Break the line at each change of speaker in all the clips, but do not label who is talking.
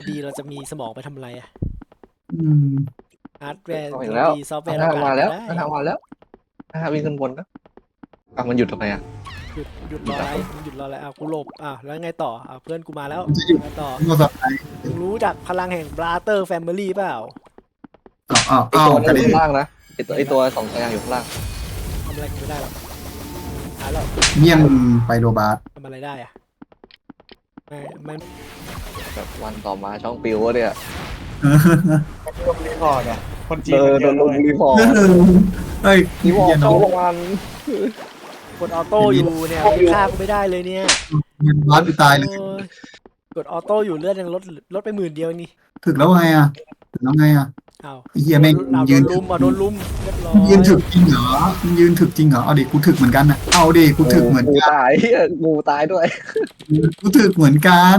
ดีเราจะมีสมองไปทำอะไรอะ
อืม
ฮาร์ดแวร์
เอาอีก
เรา
แล้ว
ดีซอฟต์แวร์
ทางมาแล้ว
ได้
ทางมาแล้ววิ่งขึ้นบนนะมันหยุดทำไมอ่ะ
หยุดรออะไรหยุดรออะไรกูหลบแล้วไงต่อเพื่อนกูมาแล้ว
มันจะหยุด
ไงต่อ
โทรศัพท์ไหน
มึงรู้จักพลังแห่งบราเตอร์แฟมิลี่เปล่า
อ้าว
ไอตัว
ก
นั้
ระ
นอ
เด็น
ยู่ข้างล่างนะไอตัวสองตัวอยู่ข้างล่าง
ทำอะไรกูไม่ได้หรอกหายแล้ว
เยี่ยมไปโรบาร์
ทำอะไรได้อะไม่
แบบวันต่อมาช่องปิววะเนี่ย
ลงรีพอร์ตอ่ะคนจีน
โด
มัน
น
เย
ล
อะ
ง
เลย
รีพอร์ต
เฮ้ย
รีพอร์
เยี่ย
ต
น้อ
เข้าง วัน
กดออโต้อยู่เนี่ยมึงฆ่ากูไม่ได้เลยเนี่ย
บาร์ไปตายเลย
โอ้ยกดออโต้อยู่เลือดยังลดไป10,000นี่
ถึกแล้วไงอ่ะถึกแล้วไงอ่ะ
อ้าว
ไอ้เหี้ยแม่ง
โด
ยืน
นลุมโดนลุมเรียบร้อย
ยืนถึกจริงเหรอยืนถึกจริงเหรอเอาดิกูถึกเหมือนกันนะเอาดิกูถึกเหมือน
งู
กัน
ตายงูตายด้วย
กูถึกเหมือนกัน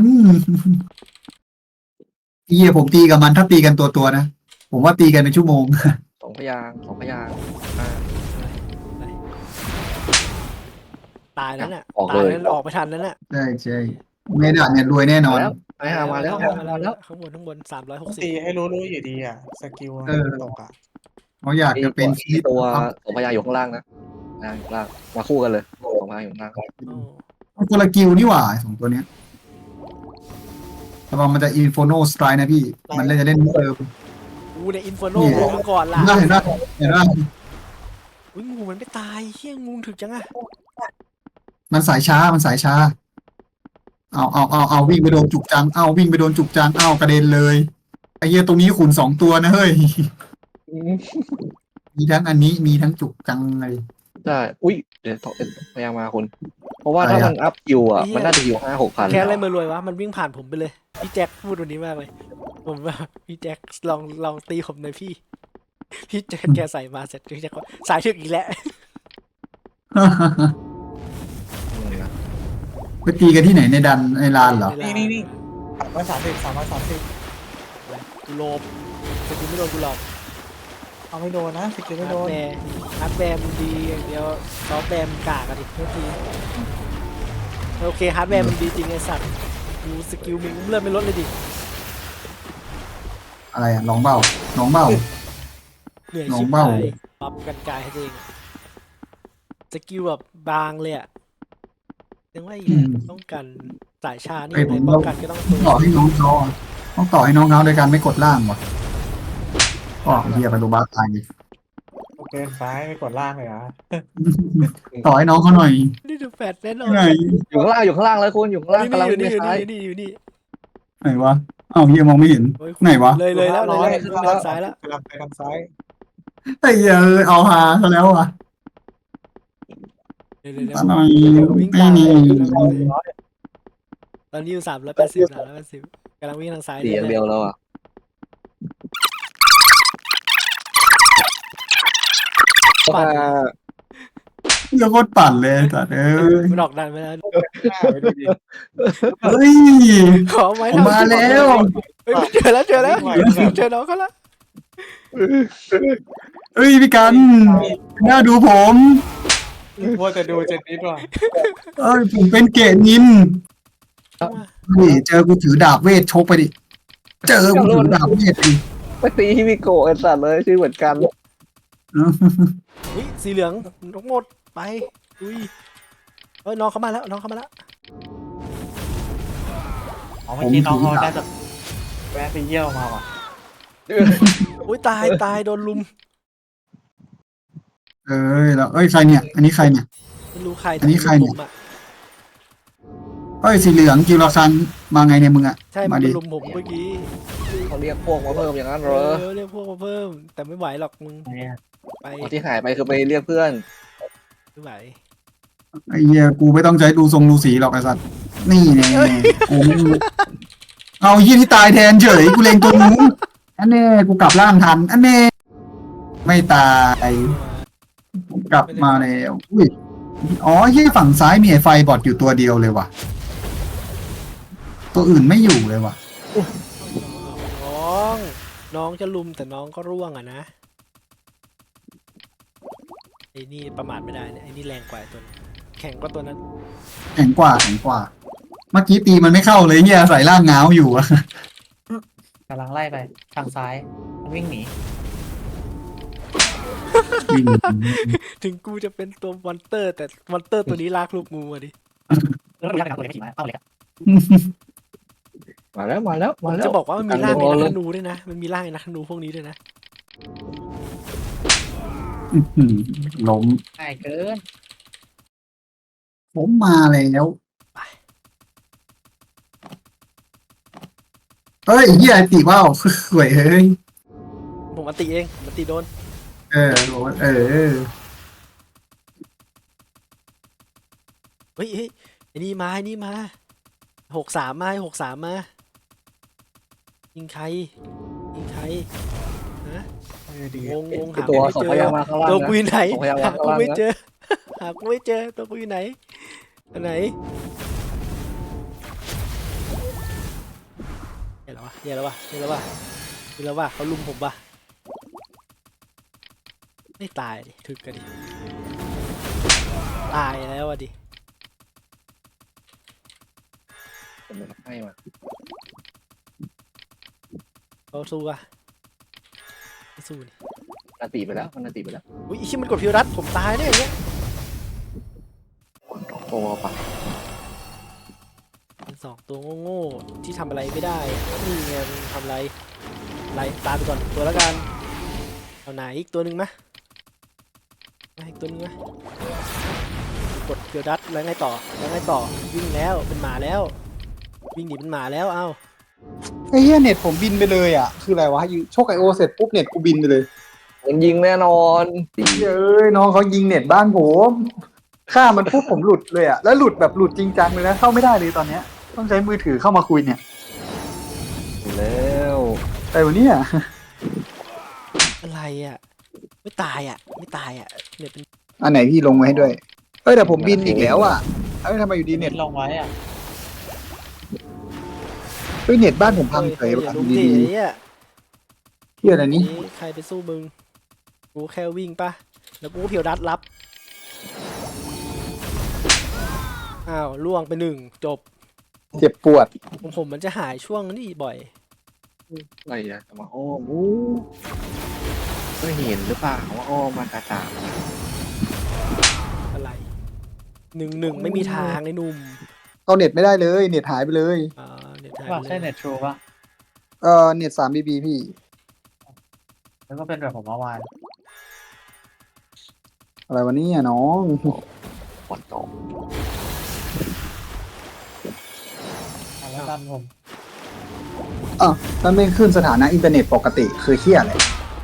ไอ้เหี้ยผมตีกับมันถ้าตีกันตัวนะผมว่าตีกันเป็นชั่วโมง
สองพยางค์
ตายนั้นน่ะ
ออก
ตา
เลย ย
นั้นออกไปทันนั้นน่ะ
ใช่ใช่เมดาเนี่ยรวยแน่นอน
มาแล้ว
ข้างบน
ต้อง
360
ตีให้รู้อยู่ดีอ่ะสกิลตกอ่ะ
เขาอยากจะเป็น
ไอตัวสองพยางค์อยู่ข้างล่างนะข้างล่างมาคู่กันเลยสองพยางค์อยู่ข้างล่าง
คนละกิลนี่หว่าสองตัวเนี้ยระวังมันจะอินโฟโนสไตร์นะพี่ มันเลยจะเล่นเติม
กูเนี่ยอินฟอโนลงมาก่อนล่ะ
เห็นได้เห็นได้
อุ้ยงูมันไม่ตายเฮี้ยงูถึกจังอะ
มันสายช้ามันสายช้าเอาวิ่งไปโดนจุกจังเอาวิ่งไปโดนจุกจังเอากระเด็นเลยไอ้เหี้ยตรงนี้ขุน2 ตัวนะเฮ้ยมีทั้งอันนี้มีทั้งจุกจังเลย
ใช่อุ้ยเดี๋ยวพยางค์มาคุณเพราะว่าถ้ามันอัพคิวอ่ะมันน่าจะอยู่5-6 พัน
แค่อะไรมารวยวะมันวิ่งผ่านผมไปเลยพี่แจ็คพูดวันนี้มากเลยผมว่าพี่แจ็คลองตีผมหน่อยพี่แจ็คแกใส่มาเสร็จพี่แจ็คก็สายถึกอีกแล้ว
ไปตีกันที่ไหนในดันในลานเหรอ
นี่330
กูโลบสกิลไม่โดนกูหรอก
เอาไม่โดนนะสกิลไม่โดน
ฮาร์ดแวร์มันดีอย่างเดียวซอฟต์แวร์มันกากอะดิโทษทีโอเคฮาร์ดแวร์มันดีจริงไอ้สัตว์กูสกิลมึงเลื่อนไม่ลดเลยดิ
อะไรอ่ะน้องเบ้าน้องเบ้า
เหนื่อย
น้อ
ชิ
ง
บ
เบ้า
หายปรับกันกายให้ตัวเองสกิลแบบบางเลยอะยังว่าอีกต้องกันสายชานี่ไหนป้องกันก็ต้องตัว
ต่อให้น้องเขาต้องต่อให้น้องเขาโดยการไม่กดล่างว่ะก็เฮียไปโรบาร์ตาย
เดินซ้ายไม่กดล่างเลยอ่ะ
ต่อให้น้องเขาหน่อย
นี่ดูแฟดแน่นอน
ไหน
อยู่ข้างล่างแล้วคุณอยู่ข้างล่างกำลัง
อยู่
ไป
นี่อยู่
ซ้าย
นี่อยู่นี่
ไหนวะอ้าวเฮียมองไม่เห็น
โอ้ย
ไหนวะ
เลยแล้วขึ้นไปทางซ้ายแล้ว
กำลังไปทางซ้าย
ไอ้เหี้ยเอาหาซะแล้วอ่ะ
เดี๋ยว
หน่อย
วิ่ง
ไม่
ตาม
มี
ตอนนี้อยู่380กำลังวิ่งทางซ้าย
เสียงเดียวแล้วอ่ะ
ปั่น
เหี้ยโคตรปั่นเลยสัตว์เอ้ย
ดอกดันไปแล้ว
ไปดูดิ
เฮ้ย
ขอไม้
ผมมาแล้ว
เจอแล้วเจอน้องเขาแล้ว
เฮ้ยพี่กันน่าดูผม
ว่าจะดูเจนนิดว่ะ
เอ้ยผมเป็นเกตนินนี่เจอกูถือดาบเวทชกไปดิเจอกูถือดาบเวทดิ
ไปตีฮิมิโกะไอ้สัตว์เลยชื่อเหมือนกัน
นี่สีเหลืองนกหมดไปอุ้ยเฮ้ยน้องเขามาแล้วน้องเขามาแล้ว
อ๋อเมื่อกี้น้องเขาน่าจะแวะไปเยี่ยวมาว่ะ
อุ้ยตายโดนลุม
เอ้ยแล้วเอ้ยใครเนี่ย อันนี้ใครเนี่ย
ไม่รู้ใคร
อันนี้ใครเนี่ย
ลุมอะ
เอ้ยสีเหลืองกิวราซันมาไงเนี่ยมึงอ่ะ
ใช่
มา
มัน
ดิ
ลุมผมเมื่อกี้
เขาเรียกพวกมาเพิ่มอย่างนั้นเหรอ
เรียกพวกมาเพิ่ม แต่ไม่ไหวหรอกมึงไป
ที่หายไปคือไปเรียกเพื่อน
ไม่ไหว
ไอ้เหี้ยกูไม่ต้องใช้ดูทรงดูสีหรอกไอ้สัตว์นี่แน่กูไม่รู้เอายี่ที่ตายแทนเฉยกูเล็งตัวนู้นอันแน่กูกลับร่างทันอันแน่ไม่ตายกลับมาแล้วอุ้ยอ๋อยี่ฝั่งซ้ายมีไอ้ไฟบอดอยู่ตัวเดียวเลยว่ะ ตัวอื่นไม่อยู่เลยว่ะ
น้องจะลุมแต่น้องก็ร่วงอ่ะนะไอ้นี่ประมาทไม่ได้เนี่ยไอ้นี่แรงกว่าตัวนั้นแข็งกว่าตัวนั้น
แข็งกว่าเมื่อกี้ตีมันไม่เข้าเลยเฮียใส่ร่างง้าวอยู่อะ
ำลังไล่ไปทางซ้ายมันวิ่งหนี
วิ่ง
ถึงกูจะเป็นตัวมอนเตอร์ แต่มอนเตอร์ตัวนี้ลากลูกงูอะดิ
แล้วก็ยักษ์ตัวเล็กขี่มาเต้าเล็ก
มาแล้วมาแล้ว
ผม
มาแล้ว
จะบอกว่ามันมีร่าง
กล
ไอ้
ง
นั
เล
ก
ย
ธนูด้วยนะ มันมีร่างไอ้นักธนูพวกนี้ด้วยนะ
ล้ม
ง่ายเกิน
ผมมาแล้วเฮ้ยเฮียตีว่าวสวยเฮ้ย
ผมอันติเองผมอันติโดน
โดน
เฮ้ยไอ้นี่มา63มา63มายิงใครฮะงงหา
ตัว
ไม่
ส่ง
เจ
พ
อ
ยางมาข้างล่าง
ตัว
นะ
กูอยู่ไหน
ส่งพยางมา
หา
ข้าง
กู
ล่าง
ไม่
นะ
เจอหากูไม่เจอตัวกูอยู่ไหนอันไหนเดี๋ยวแล้ววะเขาลุมผมป่ะไม่ตายดิถึกกันดิตายแล้วอ่ะดิ
ผมให้มา
เขาสู้อ่ะไม่สู้นี่
นาตีไปแล้วมันนาตีไปแล้ว
อุ้ยอีชิมันกดพิวรัตผมตายได้ยังเงี้ย
โอ้ปะ
เป็น2ตัวโง่ๆที่ทำอะไรไม่ได้นี่ไงมันทำอะไรตามไปก่อนตัวแล้วกันเอาไหนอีกตัวหนึ่งมะอีกตัวหนึงมะกดพิวรัตแล้วไงต่อวิ่งแล้วเป็นหมาแล้ววิ่งหนีเป็นหมาแล้วเอ้า
ไอ้เฮียเน็ตผมบินไปเลยอ่ะคืออะไรวะโชคไอโอเสร็จปุ๊บเน็ตกูบินไปเลย
มันยิงแน่นอนตี
เอ้ยน้องเขายิงเน็ตบ้านผมฆ่ามันปุ๊บผมหลุดเลยอ่ะแล้วหลุดแบบหลุดจริงจังเลยนะเข้าไม่ได้เลยตอนเนี้ยต้องใช้มือถือเข้ามาคุยเนี่ย
แล้ว
แต่วันนี้
อะไรอ่ะไม่ตายอ่ะเนี่ยเป็น
อันไหนพี่ลงไว้ให้ด้วยเอ้ยแต่ผมบินอีกแล้วอ่ะเอ้ยทำไมอยู่ดีเน็ต
ลงไว้อ่ะ
เฮ้ยเน็ตบ้านผมพังเฉย
อย่า
ว่ะ
ลุม
ดี
ดิเนี่ย
ๆเฮียอะไรนี้
ใครไปสู้มึงกูแค่วิ่งป่ะแล้วกูก็พิวรัตรับอ้าวล่วงไป1จบ
เจ็บปวด
ผมมันจะหายช่วงนี้บ่อย
อะไรอะจะมาอ้อมอู้ก็เห็นหรือเปล่าว่าอ้อมมากระจ่าง
อะไร1-1ไม่มีทางไอ้หนุ่ม
เอาเน็ตไม่ได้เลยเน็ตหายไปเลย
เดี๋ยวถ่าย
ว่า
ไป
ใช่
เลย
เน็ตทรูป่ะ
เน็ต3 BB พี่
แล้วก็เป็นแบบผมเมื่อวาน
อะไรวันนี้น้อง
ปวดตก
แล้วกันผม
มันไม่ขึ้นสถานะอินเทอร์เน็ตปกติคือเฮียอะไร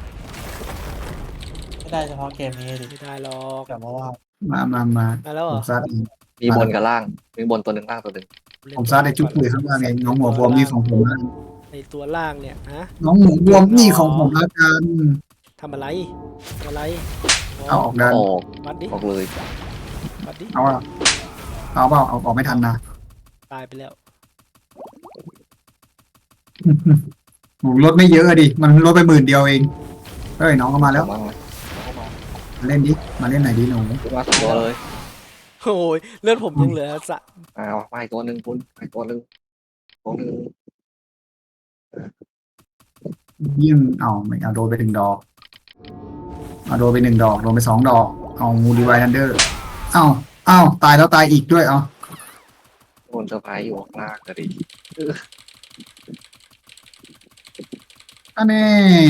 ไม่ได้เฉพาะเกมนี้ดิ
ไม่ได้หรอก
แบบเมื่อวาน
มา
มาแล้วเห
ผ
รอ
มซัดเอง
มีบนกับล่างมีบนตัวหนึ่งล่างตัวหนึ่ง
ผมซัดในจุดเลยข้างล่างเองน้องหัวบวมนี่ของผมนะ
ในตัวล่างเนี่ยฮะ
น้องหมูบวมนี่ของผมละกัน
ทำอะไรอ๋
เอาออกดัน
ออก
วัดดิ
ออกเลย
วัดดิ
เอาอะเอาเปล่าเอาออกไม่ทันนะ
ตายไปแล้ว
ผมลดไม่เยอะอะดิมันลดไป10,000เองเฮ้ยน้องก็มาแล้ว
มา
มาเล่นดิมาเล่นไหนอยดิหนู
มาสองตัวเลย
โอ้ยเลือดผมยังเหลือสะ
เอาไปตัวหนึ่งคุณไปตัวหนึ่งตัวหนึ่ง
ยิ่งเอาไม่เอาโดนไป1 ดอกเอาโดนไป1 ดอกโดนไป2 ดอกเอางูดีไวทันเดอร์เอาตายแล้วตายอีกด้วยเอา
บนเซอร์ไพรส์อยู่ข้างล่างก็ดี
อันนี้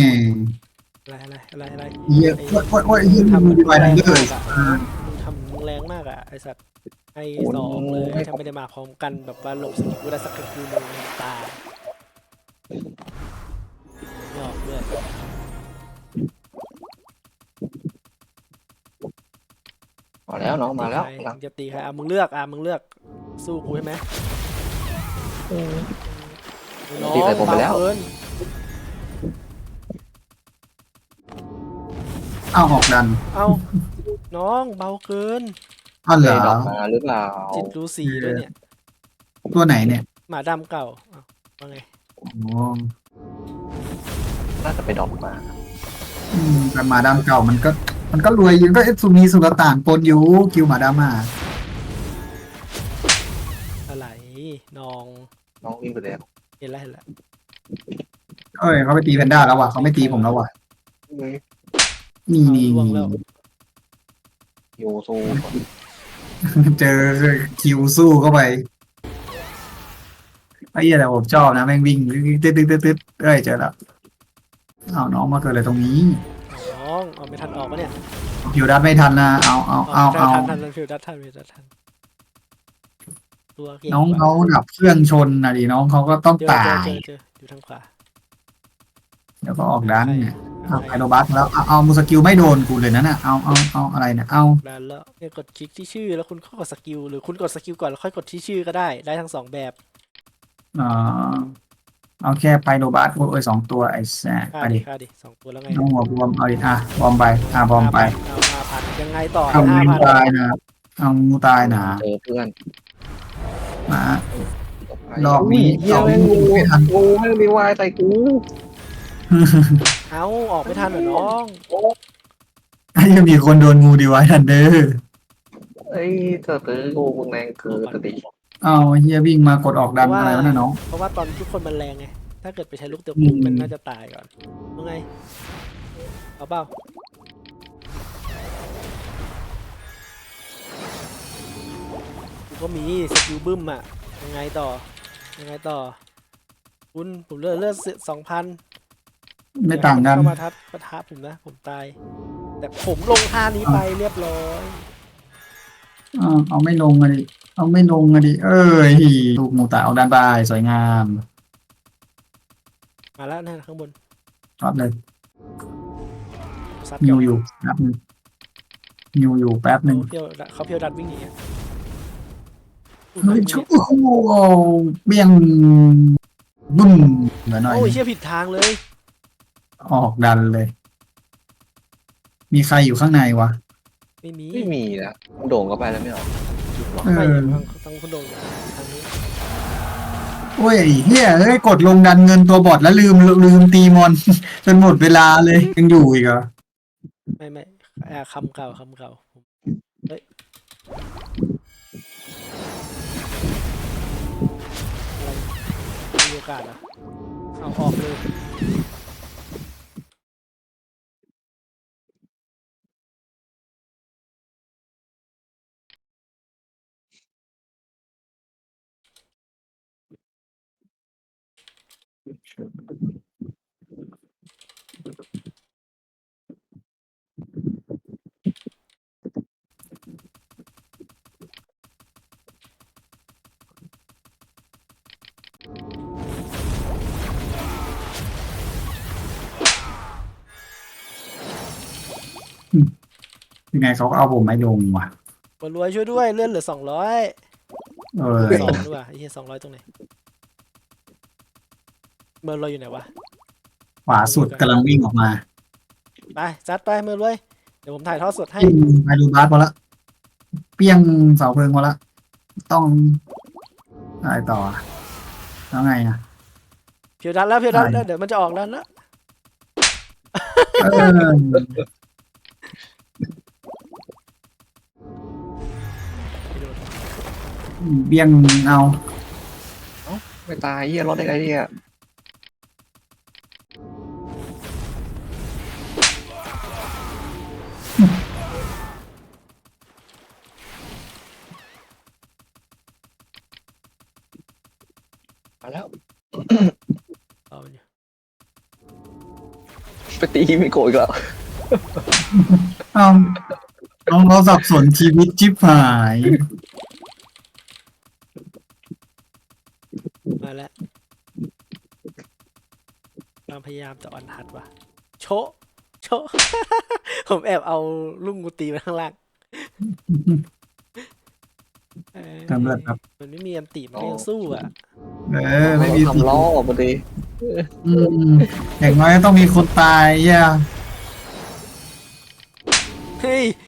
อะไร
เหี้ยโอ้ยเหี้ยงูดีไวทันเดอร์
มึงทำแรงมากอ่ะไอสัตว์ให้2เลยถ้าไม่ได้มาพร้อมกันแบบว่าหลบสกิลกูได้สักกูนึงตายหยอกเลย
มาแล้วน้องมาแล้วหลัง
จะตีใครมึงเลือกสู้กูใช่ไหมน้อง
ตีใส่ผมไปแล้ว
เบาเกิน
เอาออกดัน
เอาน้องเบาเกิน
อ้าวเหร
เตะ
อ
ดอกมาหรือเปล่า
จิตรู้สีด้วยเนี่ย
ตัวไหนเนี่ย
หมาดำเก่าว่าไง
อ๋อ
น่าจะไปดอกมา
แต่หมาดำเก่ามันก็รวยอยู่ก็สุนีสุลต่านปนอยู่คิวหมาดำอ่ะ
อะไรน้อง
น้องวิ่งไปแล้ว
เห็นแล้ว
เอ้ยเขาไปตีแพนด้าแล้วว่ะเขาไม่ตีผมแล้วว่ะ
เฮ้ย
นี่
เอา
นี่
ล่วงแล้ว
โยซู
เจอคิวสู้เข้าไปไอ้เหี้ยแต่ผมชอบนะแม่งวิ่งตึ๊ดตึ๊ดตึ๊ดตึ๊ดเอ้ยเจอแล้วเอาน้องมาเกิดอะไรตรงนี้
เอาน้องเอาไม่ทันออกปะเนี่ย
คิวดัดไม่ทันนะเอา
ทันฟิวดัดทันตัวเก่ง
น้อง
กว่
เขาดับเครื่องชนนะดิน้องเขาก็ต้อง
เจอ
ตาย
เจออยู่ทางขวา
เดี๋ยวก็ออกดันเนี่ย
ใคร
เอาไอโรบัสแล้วเอามูสกิลไม่โดนกูเลยนะน่ะเอาอะไรเนี่ยเอา
ดันแล้วเนี่ยกดคลิกที่ชื่อแล้วคุณก็กดสกิลหรือคุณกดสกิลก่อนแล้วค่อยกดที่ชื่อก็ได้ทั้งสองแบบ
เอาแค่ไพโรบัสโอ้ย2 ตัวไอ้แซ่ไปดิ
ค่าดิ2 ตัวแล้วไง
น้องหัวบวมเอาดิบอมไปบอมไป
เอา5,000ยังไงต่อ
เอางู
5,000
ตายนะเอางูตายนะ
เจอเพื่อน
มารอบนี้
เฮีย
2
แม่ง
งู
งู
ไม่ทัน
งูแม่งมีวายใส่กู
เอาออกไม่ทันเหรอน้อง
ไอ้ยังมีคนโดนงูดีไว้ทันเด้อ
เอ้ยเธอตื้องูมึงแรงคือสติ
เอาเฮียวิ่งมากดออกดันอะไรวะเนี่ยน้อง
เพราะว่าตอนทุกคนมันแรงไงถ้าเกิดไปใช้ลูกเตะปุ๊บมันน่าจะตายก่อนว่าไงเอาเปล่ากูก็มีสกิลบึ้มอ่ะยังไงต่อคุณผมเลือด2,000
ไม่ต่างกัน
เข้ามาปะทะผมนะผมตาย แต่ผมลงท่านี้ไปเรียบร้อย
เอาไม่ลงอะดิเอาไม่ลงอะดิเอ้ยลูกงูตายเอาด้านบายสวยงาม
มาแล้วนะข้างบน
รับเลย
ซับ
นิ
เกี่ยว
อยู่แป๊บนึงนิวอยู่แป๊บนึง
เขาเพียวดัดวิ่งหนีอะ
เฮ้ยชุบโอ้โหเบี้ยงบึ้มเหมือนหน่อย
โอ้ยเชี่ยผิดทางเลย
ออกดันเลย มีใครอยู่ข้างในวะ
ไม่มี
ไม่มีนะมึงโด่งเข้าไปแล้วไม่หรอ
ไม่
เออ
ทางคุณโดนทางนี้
โอ้ยไอ้เฮียเอ้ยกดลงดันเงินตัวบอทแล้วลืมตีมอน จนหมดเวลาเลยยังอยู่อีกเหรอ
ไม่คำเก่าผมเฮ้ยอะไรมีโอกาสเหรอเอาออกเลย
ยังไงเขาก็เอาผมไม่ลงว่ะ
บอลรวยช่วยด้วยเลื่อนเหลือ200
เออ
2ด้วยไอ้เหี้ย200ตรงไหนเมอร์ลอยอยู่ไหนวะ
ขวาสุดกำลังวิ่งออกมา
ไปจัดไปเมอร์ลอยเดี๋ยวผมถ่ายทอดสดให้
ไปดูบาสพอละเปี้ยงเสาเพลิงพอละต้องอะไรต่อแล้วไงอ่ะ
เพียวดันแล้วเดี๋ยวมันจะออกแล้วนะ
เออ เบี้ยงเอา
ไม่ตายเฮียรอดได้ไงเนี่ยมาแล้ว
เอาอยู่
ไปตีไม่โกรธอีกแล้ว
เอาน้องเราสับสนชีวิตชิบหาย
มาแล้วความพยายามจะอ่อนหัดว่ะโชะ ผมแอบเอาลุงกูตีมาข้างล่าง
ทำเลือดครับ
มันไม่มีอันตีมันก็ยังสู้อ่ะ
ไม่มีสิ
ทำล้อพอดี
อืมอย่างน้อยต้องมีคนตายย่า
เฮ้ย